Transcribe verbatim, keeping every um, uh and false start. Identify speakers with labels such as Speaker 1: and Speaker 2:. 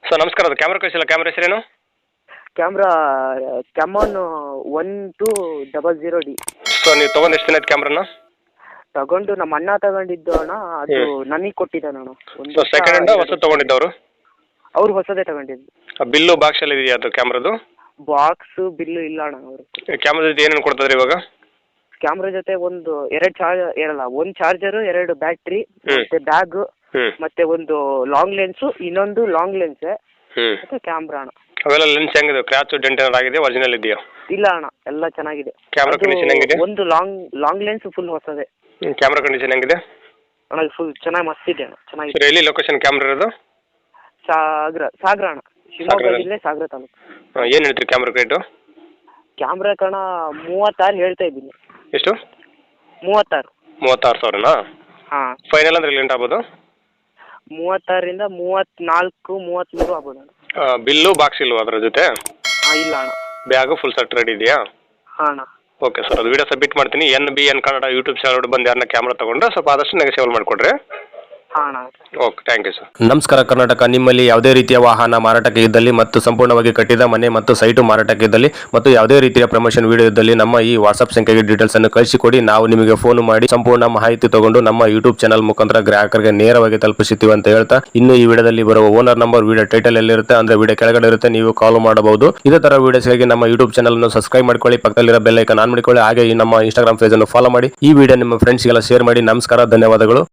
Speaker 1: Sir ನಮಸ್ಕಾರ, ಅದು camera ಕಳಿಸಿಲ್ಲ, ಕ್ಯಾಮ್ರಾ ಹೆಸರೇನು?
Speaker 2: Camera Canon one two double zero D.
Speaker 1: So ನೀವು ತೊಗೊಂಡು ಎಷ್ಟು ದಿನ ಆಯ್ತು ಕ್ಯಾಮ್ರಾನ?
Speaker 2: ತಗೊಂಡು ನಮ್ಮ ಅಣ್ಣ ತಗೊಂಡಿದ್ದು ಅಣ್ಣ, ಅದು ನನಗೆ ಕೊಟ್ಟಿದ್ದಾನೆ ಅಣ್ಣ.
Speaker 1: ಸೊ ಸೆಕೆಂಡ್ ಹ್ಯಾಂಡ್ ಹೊಸ ತೊಗೊಂಡಿದ್ದವರು?
Speaker 2: ಅವ್ರು ಹೊಸದೇ ತಗೊಂಡಿದ್ದು.
Speaker 1: ಬಿಲ್ಲು ಬಾಕ್ಸ್ ಎಲ್ಲ ಇದೆಯಾ ಅದು ಕ್ಯಾಮ್ರಾದು?
Speaker 2: ಬಾಕ್ಸ್ ಬಿಲ್ಲು ಇಲ್ಲ ಅಣ್ಣ. ಅವರು
Speaker 1: ಕ್ಯಾಮ್ರಾ ಜೊತೆ ಏನೇನು ಕೊಡ್ತದ್ರಿ ಇವಾಗ?
Speaker 2: ಕ್ಯಾಮ್ರಾ ಜೊತೆ ಒಂದು ಎರಡು ಚಾರ್ಜ್ ಇರಲ್ಲ, ಒಂದು ಚಾರ್ಜರು, ಎರಡು ಬ್ಯಾಟ್ರಿ, ಮತ್ತೆ ಬ್ಯಾಗ್, ಮತ್ತೆ ಒಂದು ಲಾಂಗ್ ಲೆನ್ಸು, ಇನ್ನೊಂದು ಲಾಂಗ್ ಲೆನ್ಸ್ ಮತ್ತೆ ಕ್ಯಾಮ್ರಾ ಅಣ್ಣ.
Speaker 1: ಅವೆಲ್ಲ ಲೆನ್ಸ್ ಹೆಂಗಿದೆ? ಕ್ರ್ಯಾಚ್ ಡೆಂಟ್ ಏನಾರು ಆಗಿದೆ? ಒರಿಜಿನಲ್ ಇದೆಯಾ?
Speaker 2: ಇಲ್ಲ ಅಣ್ಣ, ಎಲ್ಲ ಚೆನ್ನಾಗಿದೆ.
Speaker 1: ಕ್ಯಾಮ್ರಾ ಕಂಡೀಷನ್ ಹೆಂಗಿದೆ?
Speaker 2: ಒಂದು ಲಾಂಗ್ ಲಾಂಗ್ ಲೆನ್ಸ್ ಫುಲ್ ಹೊಸದೇ.
Speaker 1: ಕ್ಯಾಮ್ರಾ ಕಂಡೀಷನ್ ಹೆಂಗಿದೆ
Speaker 2: ಅಣ್ಣ? ಫುಲ್ ಚೆನ್ನಾಗಿ ಮಸ್ತ್ ಇದೆ ಅಣ್ಣ, ಚೆನ್ನಾಗಿದೆ.
Speaker 1: ಸರ್ ಎಲ್ಲಿ ಲೊಕೇಶನ್ ಕ್ಯಾಮ್ರಾ ಇರೋದು?
Speaker 2: ಸಾಗರ ಸಾಗರ ಅಣ್ಣ, ಶಿವಮೊಗ್ಗ ಜಿಲ್ಲೆ ಸಾಗರ ತಾಲೂಕು.
Speaker 1: ಏನು ಹೇಳ್ತೀರಿ ಕ್ಯಾಮ್ರಾ ರೇಟು?
Speaker 2: ಕ್ಯಾಮ್ರಾ ಕಣ ಮೂವತ್ತಾರು ಹೇಳ್ತಾ ಇದ್ದೀನಿ.
Speaker 1: ಎಷ್ಟು?
Speaker 2: ಮೂವತ್ತಾರು.
Speaker 1: ಮೂವತ್ತಾರು ಸಾವಿರನಾ?
Speaker 2: ಹಾಂ.
Speaker 1: ಫೈನಲ್ ಅಂದ್ರೆ ಲೆಂಟ್ ಆಗ್ಬೋದು?
Speaker 2: ಮೂವತ್ತಾರರಿಂದ ಮೂವತ್ತ್ನಾಲ್ಕು ಮೂವತ್ತ್ಮೂರು ಆಗ್ಬೋದು ಅಣ್ಣ.
Speaker 1: ಬಿಲ್ಲು ಬಾಕ್ಸ್ ಇಲ್ವಾ ಅದರ ಜೊತೆ?
Speaker 2: ಹಾಂ, ಇಲ್ಲ ಅಣ್ಣ.
Speaker 1: ಬ್ಯಾಗು ಫುಲ್ ಸೆಟ್ ರೆಡಿ ಇದೆಯಾ?
Speaker 2: ಹಾಂ ಅಣ್ಣ.
Speaker 1: ಓಕೆ ಸರ್, ಅದು ವಿಡಿಯೋ ಸಬ್ಮಿಟ್ ಮಾಡ್ತೀನಿ. N B N Kannada YouTube channel ಬಂದು ಯಾರನ್ನ ಕ್ಯಾಮ್ರಾ ತೊಗೊಂಡ್ರೆ ಸ್ವಲ್ಪ ಆದಷ್ಟು ನೆಗೆಸಿಬಲ್ ಮಾಡಿಕೊಡ್ರಿ.
Speaker 2: ಹಾಂ ಅಣ್ಣ.
Speaker 1: Okay, thank you sir.
Speaker 3: ನಮಸ್ಕಾರ ಕರ್ನಾಟಕ. ನಿಮ್ಮಲ್ಲಿ ಯಾವುದೇ ರೀತಿಯ ವಾಹನ ಮಾರಾಟಕ್ಕೆ ಇದ್ದಲ್ಲಿ ಮತ್ತು ಸಂಪೂರ್ಣವಾಗಿ ಕಟ್ಟಿದ ಮನೆ ಮತ್ತು ಸೈಟು ಮಾರಾಟಕ್ಕೆ ಇದ್ದಲ್ಲಿ ಮತ್ತು ಯಾವುದೇ ರೀತಿಯ ಪ್ರಮೋಷನ್ ವಿಡಿಯೋ ಇದ್ದಲ್ಲಿ ನಮ್ಮ ಈ ವಾಟ್ಸ್ಆಪ್ ಸಂಖ್ಯೆಗೆ ಡೀಟೇಲ್ಸ್ ಅನ್ನು ಕಳಿಸಿಕೊಡಿ. ನಾವು ನಿಮಗೆ ಫೋನ್ ಮಾಡಿ ಸಂಪೂರ್ಣ ಮಾಹಿತಿ ತಗೊಂಡು ನಮ್ಮ ಯೂಟ್ಯೂಬ್ ಚಾನಲ್ ಮುಖಾಂತರ ಗ್ರಾಹಕರಿಗೆ ನೇರವಾಗಿ ತಲುಪಿಸುತ್ತೀವಿ ಅಂತ ಹೇಳ್ತಾ, ಇನ್ನು ಈ ವಿಡಿಯೋದಲ್ಲಿ ಬರುವ ಓನರ್ ನಂಬರ್ ವಿಡಿಯೋ ಟೈಟಲ್ ಎಲ್ಲಿರುತ್ತೆ ಅಂದ್ರೆ ವಿಡಿಯೋ ಕೆಳಗಡೆ ಇರುತ್ತೆ, ನೀವು ಕಾಲ್ ಮಾಡಬಹುದು. ಇದೇ ತರ ವಿಡಿಯೋಸ್ಗಾಗಿ ನಮ್ಮ ಯೂಟ್ಯೂಬ್ ಚಾನಲ್ ಅನ್ನು ಸಬ್ಸ್ಕ್ರೈಬ್ ಮಾಡ್ಕೊಳ್ಳಿ, ಪಕ್ಕದಲ್ಲಿರೋ ಬೆಲ್ ಐಕಾನ್ ಆನ್ ಮಾಡಿಕೊಳ್ಳಿ. ಹಾಗೆ ಈ ನಮ್ಮ ಇನ್ಸ್ಟಾಗ್ರಾಮ್ ಪೇಜ್ ಅನ್ನು ಫಾಲೋ ಮಾಡಿ. ಈ ವಿಡಿಯೋ ನಿಮ್ಮ ಫ್ರೆಂಡ್ಸ್ಗೆಲ್ಲ ಶೇರ್ ಮಾಡಿ. ನಮಸ್ಕಾರ, ಧನ್ಯವಾದಗಳು.